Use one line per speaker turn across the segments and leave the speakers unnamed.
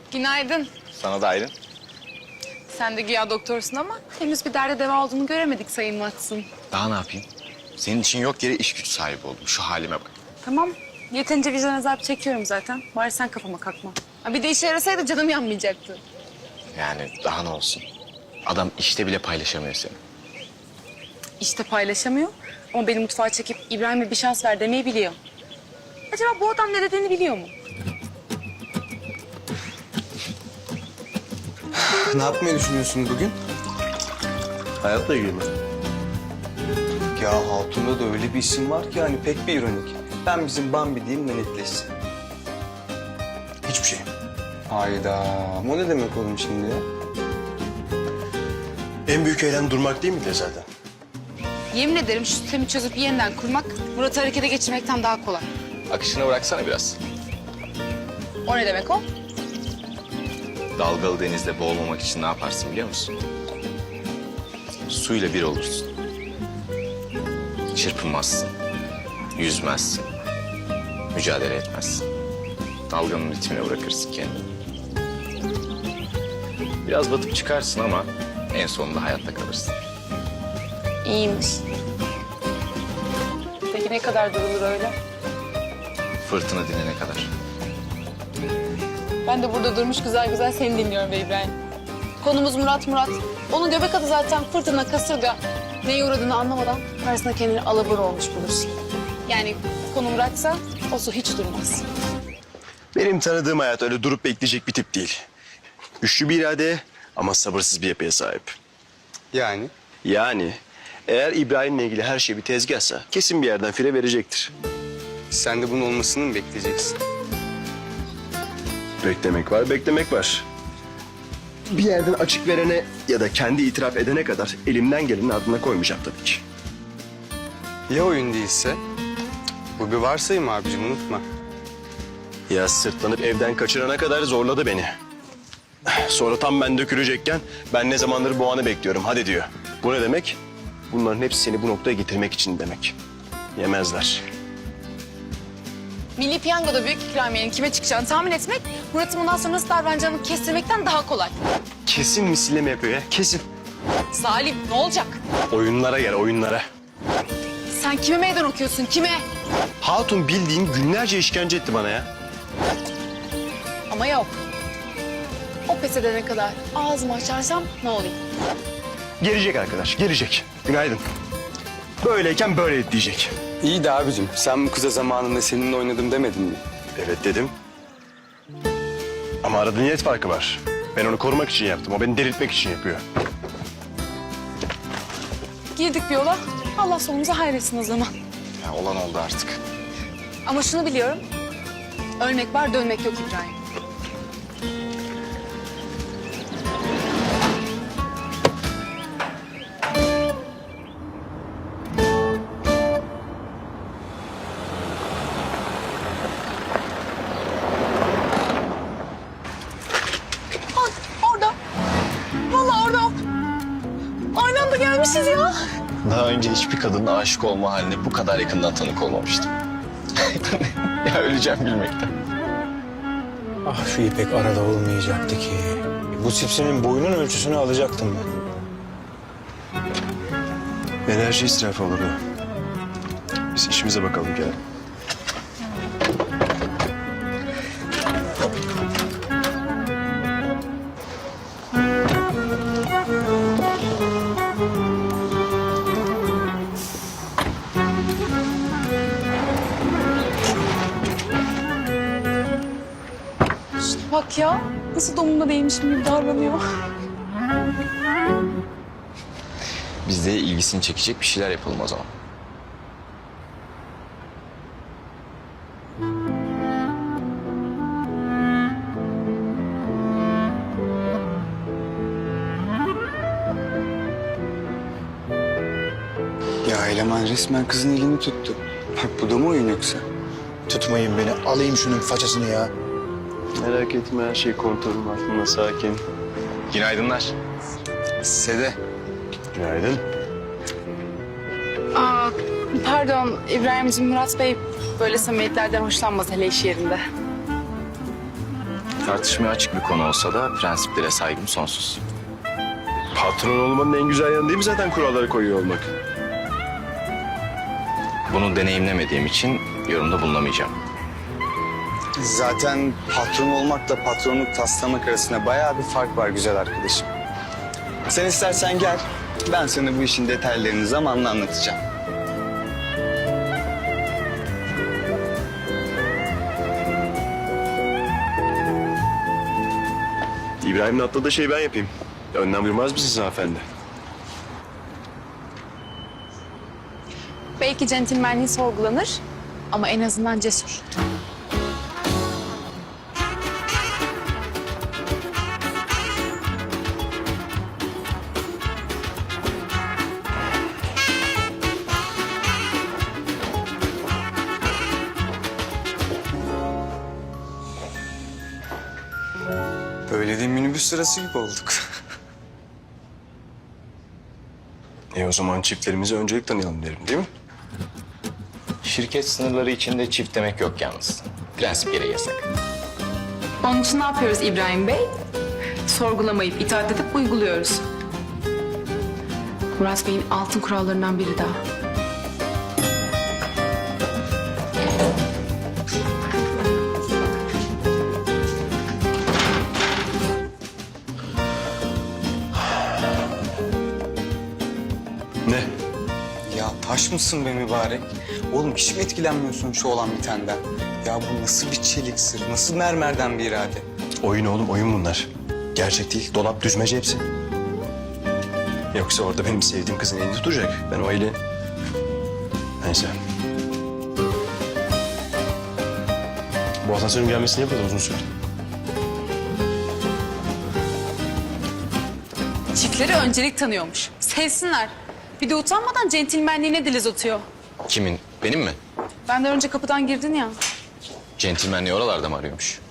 Günaydın.
Sana da Aylin.
Sen de güya doktorsun ama henüz bir derde deva olduğunu göremedik Sayın Watson.
Daha ne yapayım? Senin için yok yere iş güç sahibi oldum. Şu halime bak.
Tamam. Yeterince vicdan azabı çekiyorum zaten. Bari sen kafama kalkma. Ha, bir de işe yarasaydı canım yanmayacaktı.
Yani daha ne olsun? Adam işte bile paylaşamıyor seni.
İşte paylaşamıyor ama beni mutfağa çekip İbrahim'e bir şans ver demeyi biliyor. Acaba bu adam ne dediğini biliyor mu?
Ne yapmayı düşünüyorsun bugün?
Hayatla ilgili mi?
Ya Hatun'da da öyle bir isim var ki hani pek bir ironik. Ben bizim Bambi diyeyim de netleşsin.
Hiçbir şey.
Hayda. O ne demek oğlum şimdi ya?
En büyük eylem durmak değil miydi zaten?
Yemin ederim şu sistemi çözüp yeniden kurmak Murat'ı harekete geçirmekten daha kolay.
Akışına bıraksana biraz.
O ne demek o?
Dalgalı denizde boğulmamak için ne yaparsın biliyor musun? Suyla bir olursun. Çırpınmazsın. Yüzmezsin. Mücadele etmezsin. Dalganın ritmine bırakırsın kendini. Biraz batıp çıkarsın ama en sonunda hayatta kalırsın.
İyiymiş. Peki ne kadar durulur öyle?
Fırtına dinene kadar.
Ben de burada durmuş güzel güzel seni dinliyorum be İbrahim. Konumuz Murat. Onun göbek adı zaten fırtına, kasırga. Neye uğradığını anlamadan karşısına kendini alabor olmuş bulursun. Yani konu Murat'sa o su hiç durmaz.
Benim tanıdığım hayat öyle durup bekleyecek bir tip değil. Güçlü bir irade ama sabırsız bir yapıya sahip.
Yani?
Yani eğer İbrahim'le ilgili her şey bir tezgahsa kesin bir yerden fire verecektir.
Sen de bunun olmasını mı bekleyeceksin?
Beklemek var, beklemek var. Bir yerden açık verene ya da kendi itiraf edene kadar elimden gelenin ardına koymayacağım tabii ki.
Ya oyun değilse? Bu bir varsayım abicim, unutma.
Ya sırtlanıp evden kaçırana kadar zorladı beni. Sonra tam ben dökülecekken ben ne zamandır bu anı bekliyorum hadi diyor. Bu ne demek? Bunların hepsi seni bu noktaya getirmek için demek. Yemezler.
Milli Piyango'da büyük ikramiyenin kime çıkacağını tahmin etmek, Murat'ın bundan sonra nasıl davranacağını kestirmekten daha kolay.
Kesin misilleme yapıyor ya, kesin.
Salim ne olacak?
Oyunlara gel, oyunlara.
Sen kime meydan okuyorsun, kime?
Hatun bildiğin günlerce işkence etti bana ya.
Ama yok. O pes edene kadar ağzımı açarsam ne olayım?
Gelecek arkadaş, gelecek. Günaydın. Böyleyken böyle diyecek.
İyi de abicim, sen bu kıza zamanında seninle oynadım demedin mi?
Evet dedim. Ama arada niyet farkı var. Ben onu korumak için yaptım, o beni delirtmek için yapıyor.
Girdik bir yola, Allah sonumuzu hayretsin o zaman.
Ya olan oldu artık.
Ama şunu biliyorum, ölmek var dönmek yok İbrahim. Orada. Vallahi orada. Aynı anda gelmişiz ya.
Daha önce hiçbir kadının aşık olma haline bu kadar yakından tanık olmamıştım. Ya öleceğim gülmekten.
Ah şu İpek arada olmayacaktı ki. Bu sipsinin boyunun ölçüsünü alacaktım ben.
Enerji israfı olur o. Biz işimize bakalım Kerem.
Şuna bak ya, nasıl domunda değmişim gibi davranıyor.
Biz de ilgisini çekecek bir şeyler yapalım o zaman.
Ya eleman resmen kızın elini tuttu. Bak bu da mı oyun yoksa?
Tutmayın beni, alayım şunun façasını ya.
Merak etme, her şey kontrolüm altında, sakin.
Günaydınlar.
Sede.
Günaydın.
Aa, pardon İbrahim'ciğim, Murat Bey böyle samimiyetlerden hoşlanmaz hele iş yerinde.
Tartışmaya açık bir konu olsa da prensiplere saygım sonsuz.
Patron olmanın en güzel yanı değil mi zaten kuralları koyuyor olmak?
Bunu deneyimlemediğim için yorumda bulunamayacağım.
Zaten patron olmakla patronluk taslamak arasında bayağı bir fark var güzel arkadaşım. Sen istersen gel, ben sana bu işin detaylarını zamanla anlatacağım.
İbrahim'in atladığı şeyi ben yapayım. Önden buyurmaz mısınız hanımefendi?
Belki centilmenliği sorgulanır ama en azından cesur.
Böyle de minibüs sırası gibi olduk.
O zaman çiftlerimize öncelik tanıyalım derim değil mi?
Şirket sınırları içinde çift demek yok yalnız. Prensip gereği yasak.
Onun için ne yapıyoruz İbrahim Bey? Sorgulamayıp itaat edip uyguluyoruz. Murat Bey'in altın kurallarından biri daha.
Ne?
Ya taş mısın be mübarek? Oğlum hiç mi etkilenmiyorsun şu olan bitenden? Ya bu nasıl bir çelik sır, nasıl mermerden bir irade?
Oyun oğlum, oyun bunlar. Gerçek değil, dolap düzmece hepsi. Yoksa orada benim sevdiğim kızın elini tutacak. Ben o eli... Neyse. Bu asansörün gelmesine ne kadar uzun sürdü?
Çiftleri öncelik tanıyormuş. Sevsinler. Bir de utanmadan centilmenliğine dil uzatıyor.
Kimin? Benim mi?
Benden önce kapıdan girdin ya.
Centilmenliği oralarda mı arıyormuş?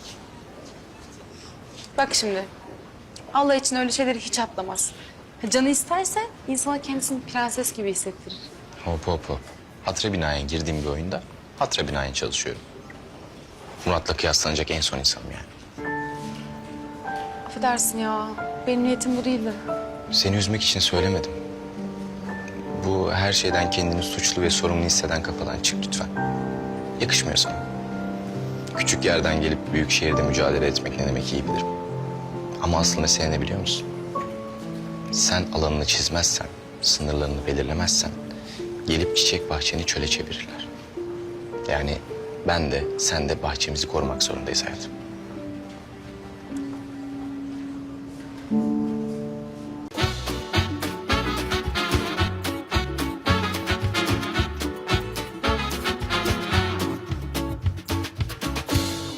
Bak şimdi. Allah için öyle şeyleri hiç atlamaz. Canı isterse insana kendisini prenses gibi hissettirir.
Hop hop hop. Hatıra binaen girdiğim bir oyunda hatıra binaen çalışıyorum. Murat'la kıyaslanacak en son insanım yani.
Affedersin ya. Benim niyetim bu değildi.
Seni üzmek için söylemedim. Bu her şeyden kendini suçlu ve sorumlu hisseden kafadan çık lütfen. Yakışmıyor sana. Küçük yerden gelip büyük şehirde mücadele etmek ne demek iyi bilirim. Ama asıl mesele ne biliyor musun? Sen alanını çizmezsen, sınırlarını belirlemezsen gelip çiçek bahçeni çöle çevirirler. Yani ben de sen de bahçemizi korumak zorundayız hayatım.